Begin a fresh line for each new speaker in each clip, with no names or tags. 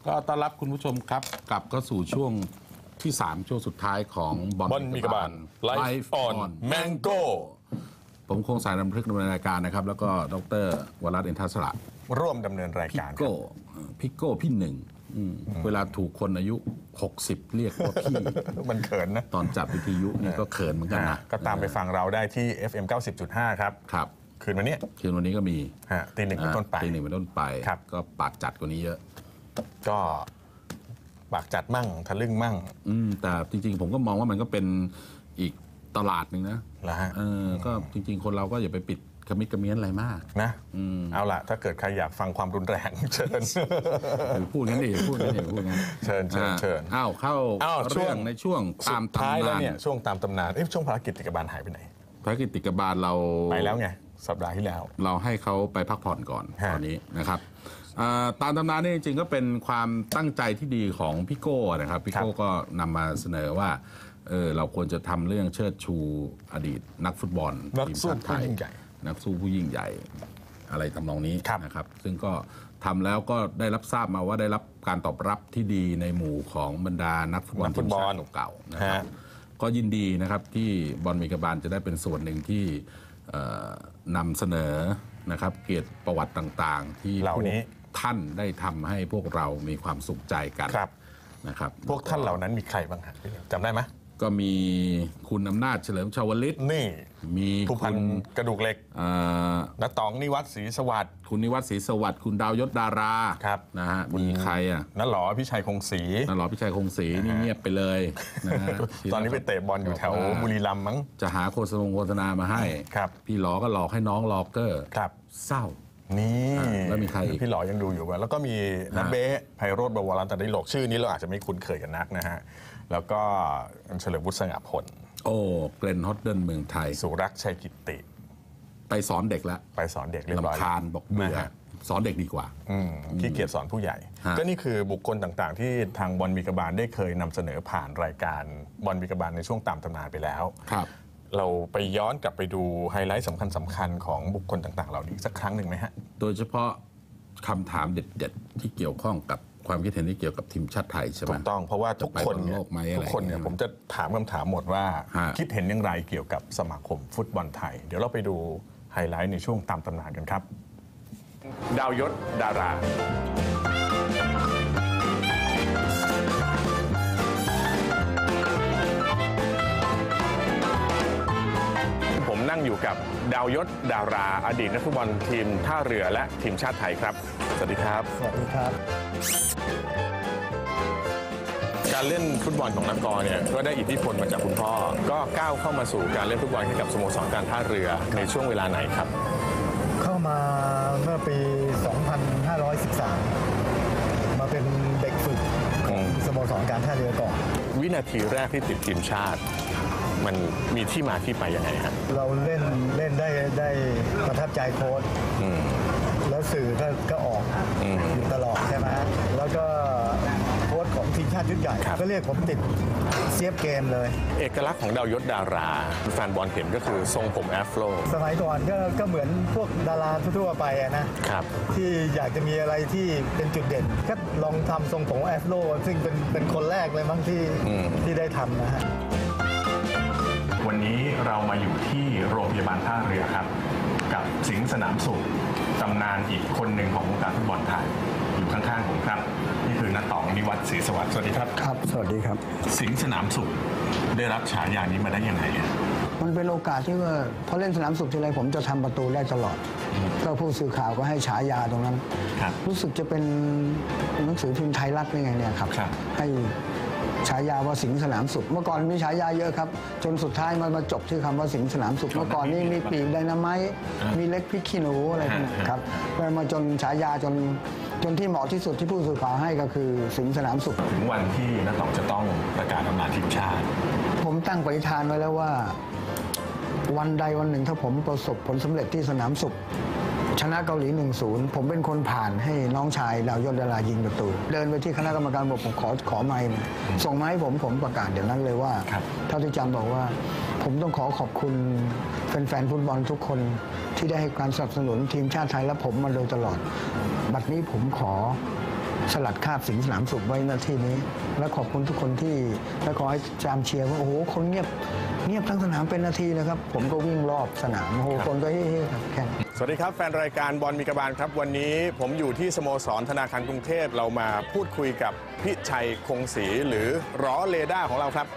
ก็ต้อนรับคุณผู้ชมครับกลับเข้าสู่ช่วงที่ 3 ช่วงสุดท้ายของบอลมีกบาล
ไลฟ์ออนแมงโก้
ผมคงสายดำเนินรายการนะครับแล้วก็ดร.วรัตน์ อินทศระ
ร่วมดำเนินรายการ
พิโก้พี่หนึ่งเวลาถูกคนอายุ 60 เรียกว่าพี่
มันเขินนะ
ตอนจับวิทยุนี่ก็เขินเหมือนกันนะ
ก็ตามไปฟังเราได้ที่ FM 90.5 ครับคืนวันนี้
ก็มี
ตีหนึ่งเป็นต้นไป
ก็ปากจัดกว่านี้เยอะ
ก็ปากจัดมั่งทะลึ่งมั่ง
แต่จริงๆผมก็มองว่ามันก็เป็นอีกตลาดหนึ่งนะก็จริงๆคนเราก็อย่าไปปิดกระมิดกระเมี้ยนอะไรมาก
นะเอาล่ะถ้าเกิดใครอยากฟังความรุนแรงเชิญ
พูดงั้นดิพูดงั้น
เชิญ
เข้าเรื่องในช่วงตามตำนาน
แล้วเนี่ยช่วงตามตำนานช่วงภารกิจติกบาลหายไปไหน
ภารกิจติกบาลเรา
ไปแล้วไงสัปดาห์ที่แล้ว
เราให้เขาไปพักผ่อนก่อนตอนนี้นะครับตามตำนานนี่จริงๆก็เป็นความตั้งใจที่ดีของพี่โก้นะครับพี่โก้ก็นำมาเสนอว่าเราควรจะทำเรื่องเชิดชูอดีตนักฟุตบอล
ทีมชาติไทย
นักสู้ผู้ยิ่งใหญ่อะไรทำนองนี้นะครับซึ่งก็ทำแล้วก็ได้รับทราบมาว่าได้รับการตอบรับที่ดีในหมู่ของบรรดานักฟุตบอลทีมชาติเก่าๆนะครับก็ยินดีนะครับที่บอลมีกบาลจะได้เป็นส่วนหนึ่งที่นำเสนอนะครับเกียรติประวัติต่างๆที่
เหล่านี้
ท่านได้ทำให้พวกเรามีความสุขใจกันนะครับ
พวกท่านเหล่านั้นมีใครบ้างฮะจำได้ไหม
ก็มีคุณอำนาจเฉลิมชวลิต
นี่
มี
คุณกระดูกเหล็กน้าต๋องนิวัฒน์ศรีสวัสดิ์
คุณนิวัฒน์ศรีสวัสดิ์คุณดาวยศดารานะฮะมีใคร
น้าหล่อพิชัยคงศรี
นี่เงียบไปเลยนะฮะ
ตอนนี้ไปเตะบอลอยู่แถวบุรีรัมย์มั้ง
จะหาโฆษณามาให้พี่หลอก็หลอกให้น้องล็อกเกอร์เศร้า
นี่
แล้วมีใคร
พี่หล่อยังดูอยู่แล้วก็มีนัทเบ้ไพโรจน์ บวรรัตน์ ดิโลกชื่อนี้เราอาจจะไม่คุ้นเคยกันนักนะฮะแล้วก็เฉลิมวุฒิสง่าผล
เกรนฮอตเดิลเมืองไทย
สุรักษ์ชัยกิตติ
ไปสอนเด็กแล้ว
ไปสอนเด็กเรียบร้อย
ลำคาญบอกเบื่อสอนเด็กดีกว่า
ขี้เกียจสอนผู้ใหญ่ก็นี่คือบุคคลต่างๆที่ทางบอลมีกบาลได้เคยนำเสนอผ่านรายการบอลมีกบาลในช่วงตามตำนานไปแล้วเราไปย้อนกลับไปดูไฮไลท์สำคัญของบุคคลต่างๆเหล่านี้สักครั้งหนึ่งไหมฮะ
โดยเฉพาะคำถามเด็ดๆที่เกี่ยวข้องกับความคิดเห็นที่เกี่ยวกับทีมชาติไทยใช่ไหม
ถูกต้องเพราะว่าทุกคนเนี่ยผมจะถามคำถามหมดว่าคิดเห็นอย่างไรเกี่ยวกับสมาคมฟุตบอลไทยเดี๋ยวเราไปดูไฮไลท์ในช่วงตามตำนานกันครับดาวยศดาราผมนั่งอยู่กับดาวยศดาราอดีตนักฟุตบอลทีมท่าเรือและทีมชาติไทยครับสวัสดีครับ
สวัสดีครับ
การเล่นฟุตบอลของนักกรเนี่ยก็ได้อิทธิพลมาจากคุณพ่อก็ก้าวเข้ามาสู่การเล่นฟุตบอลให้กับสโมสรการท่าเรือในช่วงเวลาไหนครับ
เข้ามาเมื่อปี 2513 มาเป็นเด็กฝึกของสโมสรการท่าเรือก่อน
วินาทีแรกที่ติดทีมชาติมันมีที่มาที่ไปยังไงครับ
เราเล่นได้ประทับใจโค้ชแล้วสื่อก็ออกอยู่ตลอดใช่ไหมแล้วก็โค้ชของทีมชาติชุดใหญ่ก็เรียกผมติดเซียบเกมเลย
เอกลักษณ์ของดาวยศดาราแฟนบอลเห็นก็คือทรงผมแอฟโร
สมัยก่อนก็เหมือนพวกดาราทั่วไปนะครับที่อยากจะมีอะไรที่เป็นจุดเด่นก็ลองทำทรงผมแอฟโรซึ่งเป็นคนแรกเลยมั้งที่ได้ทำนะฮะ
วันนี้เรามาอยู่ที่โรงพยาบาลท่าเรือครับกับสิงห์สนามสุขตำนานอีกคนหนึ่งของวงการฟุตบอลไทยอยู่ข้างๆผมครับนี่คือน้าต๋องนิวัฒน์ศรีสวัสดิ์สวัสดีครับ
ครับสวัสดีครับ
สิงห์สนามสุขได้รับฉายานี้มาได้ยังไง
มันเป็นโอกาสที่ว่าพอเล่นสนามสุขทีไรผมจะทำประตูได้ตลอดก็ผู้สื่อข่าวก็ให้ฉายาตรงนั้นรู้สึกจะเป็นหนังสือพิมพ์ไทยรัฐนี่ไงเนี่ยครับให้ฉายาว่าสิงห์สนามสุขเมื่อก่อนมีฉายาเยอะครับจนสุดท้ายมาจบที่คำว่าสิงห์สนามสุขเมื่อก่อนนี่มีปีกไดนาไมต์มีเล็กพริกขี้หนูอะไรครับมาจนฉายาจนที่เหมาะที่สุดที่ผู้สื่อข่าวให้ก็คือสิงห์สนามสุข
ถึงวันที่น้าต๋องจะต้องประกาศอำนาจทีมชาติ
ผมตั้งปณิธานไว้แล้วว่าวันใดวันหนึ่งถ้าผมประสบผลสำเร็จที่สนามสุขชนะเกาหลี 1-0 ผมเป็นคนผ่านให้น้องชายดาวยศดารายิงประตูเดินไปที่คณะกรรมการบอกผมขอไมค์ส่งมาให้ผมประกาศเดี๋ยวนั้นเลยว่าเท่าที่จำบอกว่าผมต้องขอบคุณแฟนๆฟุตบอลทุกคนที่ได้ให้การสนับสนุนทีมชาติไทยและผมมาโดยตลอดบัดนี้ผมขอสลัดคราบสิงห์สนามสุขไว้หน้าที่นี้ และขอบคุณทุกคนที่และขอให้จามเชียร์ว่าโอ้โหคนเงียบทั้งสนามเป็นนาทีเลยครับผมก็วิ่งรอบสนามโอ้โหคนก็เฮ้ๆครับแข่ง
สวัสดีครับแฟนรายการบอลมีกระบาลครับวันนี้ผมอยู่ที่สโมสรธนาคารกรุงเทพเรามาพูดคุยกับพิชัยคงศรีหรือร้อเรดาร์ของเราครับ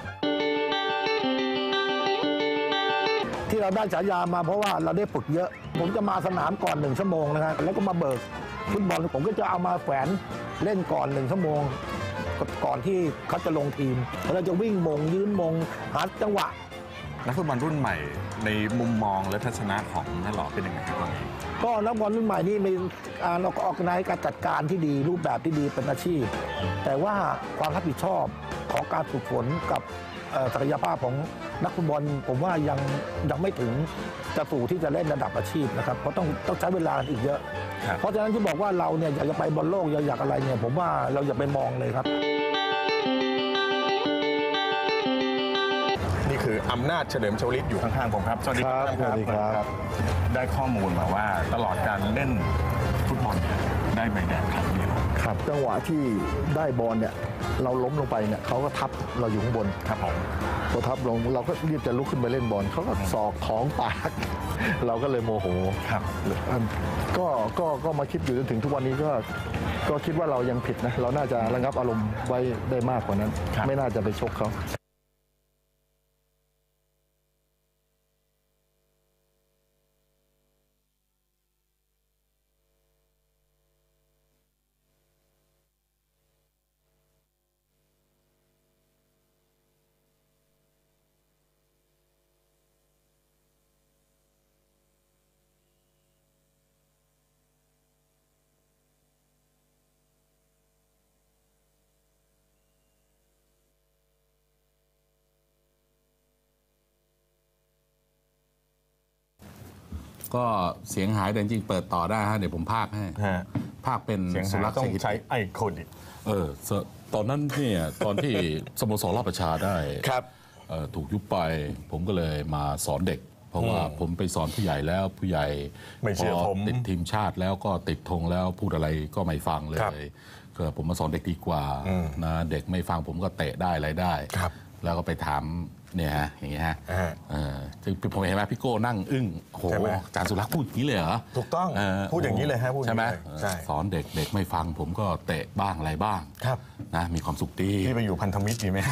ที่เราได้ฉายามาเพราะว่าเราได้ฝึกเยอะผมจะมาสนามก่อน1 ชั่วโมงนะครับแล้วก็มาเบิกฟุตบอลผมก็จะเอามาแขวนเล่นก่อน1 ชั่วโมงก่อนที่เขาจะลงทีมเราจะวิ่งมงยืนมงหาจังหวะ
นักฟุตบอลรุ่นใหม่ในมุมมองและทัศนะของน้าหล่อเป็นยังไงครับตอนนี้
ก็นักบอลรุ่นใหม่นี่มีการออกในการจัดการที่ดีรูปแบบที่ดีเป็นอาชีพแต่ว่าความรับผิดชอบของการฝึกฝนกับศักยภาพของนักฟุตบอลผมว่ายังไม่ถึงจะสู่ที่จะเล่นระดับอาชีพนะครับเพราะต้องใช้เวลาอีกเยอะเพราะฉะนั้นที่บอกว่าเราเนี่ยอยากจะไปบอลโลกอยากอะไรเนี่ยผมว่าเราอย่าไปมองเลยครับ
นี่คืออำนาจเฉลิมชวลิตอยู่ข้างๆผมครับสวัสดีครับ
สวัสดีครับ
ได้ข้อมูลมาว่าตลอดการเล่นฟุตบอลเนี่ยได้ใบแดงครั้งเดียว
ครับจังหวะที่ได้บอลเนี่ยเราล้มลงไปเนี่ยเขาก็ทับเราอยู่ข้างบน
ครับผม
พอทับลงเราก็รีบจะลุกขึ้นไปเล่นบอลเขาก็ศอกท้องปาก เราก็เลยโมโห
ครับ
ก็มาคิดอยู่จนถึงทุกวันนี้ก็คิดว่าเรายังผิดนะเราน่าจะระงับอารมณ์ไว้ได้มากกว่านั้น ไม่น่าจะไปชกเขา
ก็เสียงหายแต่จริงๆเปิดต่อได้ฮะเดี๋ยวผมพากให้พากเป็น
เสียง
สุ
หาย
รักษ์
ต้อ
เศ
ง
รษฐกิจ
ใช้ไอโคดิ
ตอนนั้นเนี่ยตอนที่สโมสรราชประชาได้
ครับ
ถูกยุบไปผมก็เลยมาสอนเด็ก เพราะว่าผมไปสอนผู้ใหญ่แล้วผู้ใหญ่
ไม่เชื่อผม
ติดทีมชาติแล้วก็ติดธงแล้วพูดอะไรก็ไม่ฟังเลยก็ผมมาสอนเด็กดีกว่านะเด็กไม่ฟังผมก็เตะได้อะไรได้ แล้วก็ไปถามเนี่ยฮะอย่างเงี้ยฮะจึงผมเห็นไหมพี่โก้นั่งอึ้งโหอาจารย์สุรักษ์พูดอย่างนี้เลยเหรอ
ถูกต้องพูดอย่างนี้เลยฮะพูด
ใช่ไหม
ใช่
สอนเด็กเด็กไม่ฟังผมก็เตะบ้างอะไรบ้าง
ครับ
นะมีความสุขดี
พี่ไปอยู่พันธมิตรดีไหม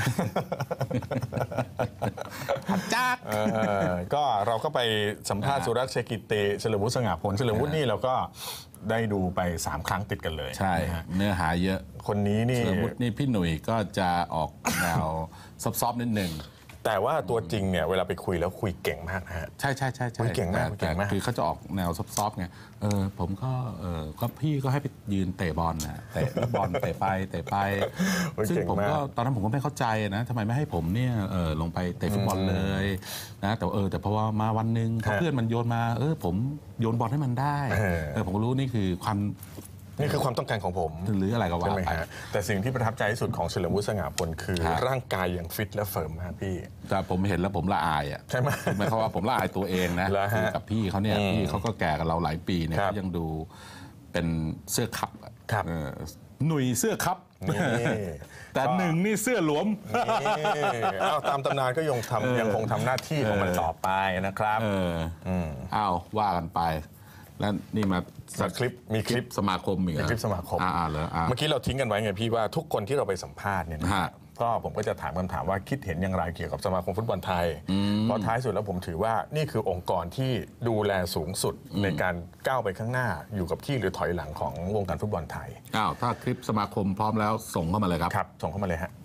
จัด
ก็เราก็ไปสัมภาษณ์สุรักษ์เชกิติเฉลิมวุฒิสง่าผลเฉลิมวุฒินี่เราก็ได้ดูไป3 ครั้งติดกันเลย
ใช่
นะฮะ
เนื้อหาเยอะ
คนนี้นี่
เฉลิมวุฒินี่พี่หนุ่ยก็จะออกแนว ซอฟๆนิดหนึ่ง
แต่ว่าตัวจริงเนี่ยเวลาไปคุยแล้วคุยเก่งมากนะฮะ
ใช่ใช่ใช่
อุ๊ยเก่งมาก
แต่
เก่งมาก
คือเขาจะออกแนวซอฟๆไงผมก็พี่ก็ให้ไปยืนเตะบอลนะเตะบอลเตะไปซึ่งผมก็ตอนนั้นผมก็ไม่เข้าใจนะทำไมไม่ให้ผมเนี่ยลงไปเตะฟุตบอลเลยนะแต่พอมาวันหนึ่งพอเพื่อนมันโยนมาผมโยนบอลให้มันได้ผมก็รู้นี่คือ
ความต้องการของผม
หรืออะไรก็ว่า
ใช่ไหม
ไป
ฮะแต่สิ่งที่ประทับใจที่สุดของเฉลิมวุฒิสง่าผลคือ
ครับ
ร่างกายอย่างฟิตและเฟิร์มมากพี่
แต่ผมเห็นแล้วผมละอายอ่ะ
ใช่ไหม
หมายความว่าผมละอายตัวเองนะ
เหรอฮะ
คือกับพี่เขาเนี่ยพี่เขาก็แก่กับเราหลายปีเนี่ย
ครับ
เขายังดูเป็นเสื้อคับอะ
ครับ
หนุ่ยเสื้อคับ
นี่
แต่หนึ่งนี่เสื้อหลวม
เอาตามตำนานก็ยังคงทำหน้าที่ของมันต่อไปนะครับ
อ้าวว่ากันไป แล้วนี่มา
มีคลิป
สมาคมอีกเหร
มี
อ
คลิปสมาคม
เหรอ
เมื่อกี้เราทิ้งกันไว้ไงพี่ว่าทุกคนที่เราไปสัมภาษณ์เนี่ยนะ
ฮะ
ก็ผมก็จะถามคำถามว่าคิดเห็นอย่างไรเกี่ยวกับสมาคมฟุตบอลไทยเพราะท้ายสุดแล้วผมถือว่านี่คือองค์กรที่ดูแลสูงสุดในการก้าวไปข้างหน้าอยู่กับที่หรือถอยหลังของวงการฟุตบอลไทย
ถ้าคลิปสมาคมพร้อมแล้วส่งเข้ามาเลยครับ
ครับส่งเข้ามาเลยฮะ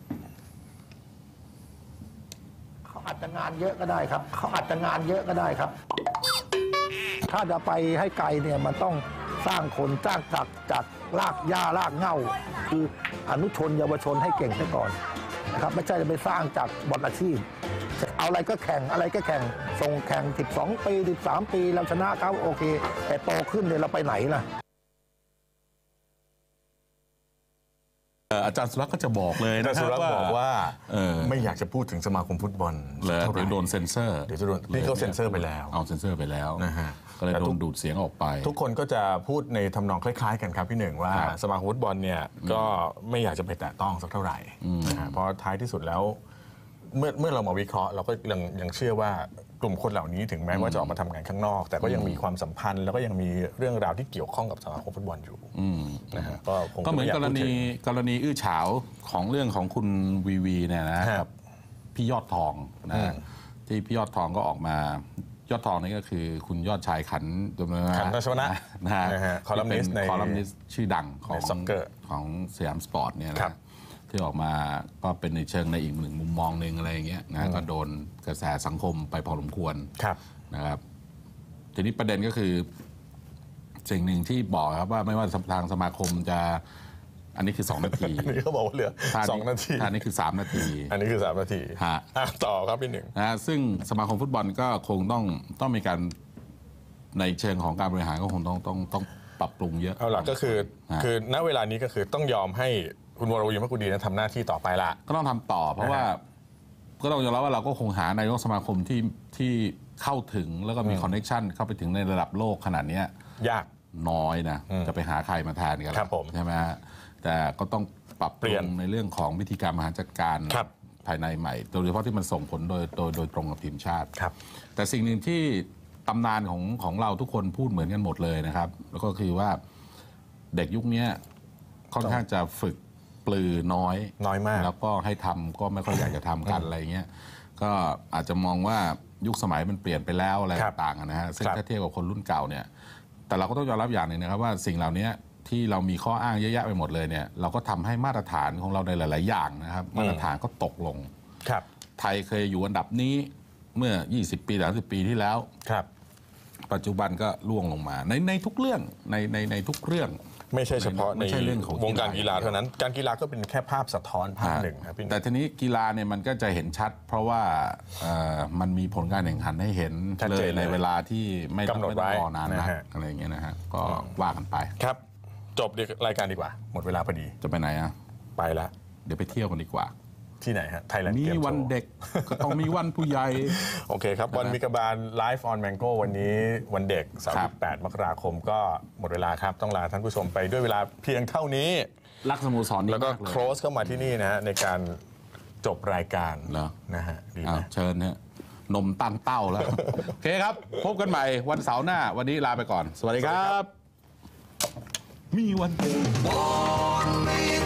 เขาอาจจะงานเยอะก็ได้ครับเขาอาจจะงานเยอะก็ได้ครับ ถ้าจะไปให้ไกลเนี่ยมันต้องสร้างคนสร้างจากรากหญ้ารากเหง้าคืออนุชนเยาวชนให้เก่งซะก่อนนะครับไม่ใช่จะไปสร้างจากบอลอาชีพเอาอะไรก็แข่งอะไรก็แข่งส่งแข่ง12 ปี13 ปีเราชนะเขาโอเค แต่โตขึ้นเนี่ยเราไปไหนล่ะ
อาจารย์สุรักษ์ก็จะบอกเลย
แต่
นะ
สุรักษ์บอกว่า
ไม่
ไม่อยากจะพูดถึงสมาคมฟุตบอล
เลย
เท่าไหร่
เดี๋ยวโดนเซ็นเซอร์
เดี๋ยวจะโดนนี่เขาเซ็นเซอร์ไปแล้ว
เอาเซ็นเซอร์ไปแล้ว
นะฮะ
กก็เลยโดนดูดเสียงออกไป
ทุกคนก็จะพูดในทำนองคล้ายๆกันครับพี่หนึ่งว่าสมาคมฟุตบอลเนี่ยก็ไม่อยากจะไปแตะต้องสักเท่าไหร่นะฮะเพราะท้ายที่สุดแล้วเมื่อเรามาวิเคราะห์เราก็ยังเชื่อว่ากลุ่มคนเหล่านี้ถึงแม้ว่าจะออกมาทำงานข้างนอกแต่ก็ยังมีความสัมพันธ์แล้วก็ยังมีเรื่องราวที่เกี่ยวข้องกับสมาคมฟุตบอลอยู่นะฮะ
ก็เหมือนกรณีอื้อฉาวของเรื่องของคุณวีเนี่ยนะครับพี่ยอดทองนะที่พี่ยอดทองก็ออกมายอดทองนี่ก็คือคุณยอดชายขัน
ทัศนะ
นะฮะ
คอลัมนิส
ต์ชื่อดังของสยามสปอร์ตเนี่ยนะที่ออกมาก็เป็นในเชิงในอีกหนึ่งมุมมองหนึ่งอะไรอย่างเงี้ยนะก็โดนกระแสสังคมไปพอสมควรนะครับทีนี้ประเด็นก็คือสิ่งหนึ่งที่บอกครับว่าไม่ว่าทางสมาคมจะอันนี้คือ2 นาที
อันนี้เขาบอกว่าเหลือ2 นาที
อันนี้คือ3 นาที
อันนี้คือ3 นาทีต่อครับพี่หนึ่ง
นะซึ่งสมาคมฟุตบอลก็คงต้องมีการในเชิงของการบริหารก็คงต้องปรับปรุงเยอะ
เอาล่ะก็คือณเวลานี้ก็คือต้องยอมให้คุณวรวีมกุดีทำหน้าที่ต่อไปละ
ก็ต้องทำต่อเพราะว่าก็ต้องยอมรับว่าเราก็คงหานายกสมาคมที่เข้าถึงแล้วก็มีคอนเนคชั่นเข้าไปถึงในระดับโลกขนาดนี้
ยาก
น้อยนะจะไปหาใครมาแทนกันใช่ไหมฮะแต่ก็ต้องปรับเปลี่ยนในเรื่องของวิธีการบริหารจัดการภายในใหม่โดยเฉพาะที่มันส่งผลโดยตรงกับทีมชาติแต่สิ่งหนึ่งที่ตำนานของเราทุกคนพูดเหมือนกันหมดเลยนะครับแล้วก็คือว่าเด็กยุคนี้ค่อนข้างจะฝึกปลือน้อย
มาก
แล้วก็ให้ทำก็ไม่ค่อยอยากจะทำกันอะไรเงี้ยก็อาจจะมองว่ายุคสมัยมันเปลี่ยนไปแล้วอะไรต่างๆนะฮะซึ่งถ้าเทียบกับคนรุ่นเก่าเนี่ยแต่เราก็ต้องยอมรับอย่างหนึ่งนะครับว่าสิ่งเหล่านี้ที่เรามีข้ออ้างเยอะแยะไปหมดเลยเนี่ยเราก็ทำให้มาตรฐานของเราในหลายๆอย่างนะครับมาตรฐานก็ตกลงไทยเคยอยู่อันดับนี้เมื่อ20 ปี30 ปีที่แล้วปัจจุบันก็ล่วงลงมาในทุกเรื่องในทุกเรื่อง
ไม่ใช่เฉพาะในวงการกีฬาเท่านั้นการกีฬาก็เป็นแค่ภาพสะท้อนภาพหนึ่งครับ
แต่ทีนี้กีฬาเนี่ยมันก็จะเห็นชัดเพราะว่ามันมีผลการแข่งขันให้เห็นเลยในเวลาที่ไม่ต้องรอนานนักอะไรอย่างเงี้ยนะฮะก็ว่ากันไป
ครับจบรายการดีกว่าหมดเวลาพอดี
จะไปไหนอ่ะ
ไปละ
เดี๋ยวไปเที่ยวกันดีกว่า
ที่ไหนฮะไทยแลนด์
มีวันเด็กก็ต้องมีวันผู้ใหญ่
โอเคครับวันมิกบาลไลฟ์ออนแมงโก้วันนี้วันเด็กเสาร์ที่8 มกราคมก็หมดเวลาครับต้องลาท่านผู้ชมไปด้วยเวลาเพียงเท่านี้
รักสโมสรนี้
แล้วก็โคลสเข้ามาที่นี่นะฮะในการจบรายการนะฮะดีไหม
เชิญฮะนมตั้งเต้าแล้วโอเคครับพบกันใหม่วันเสาร์หน้าวันนี้ลาไปก่อนสวัสดีครับมีวันเด็ก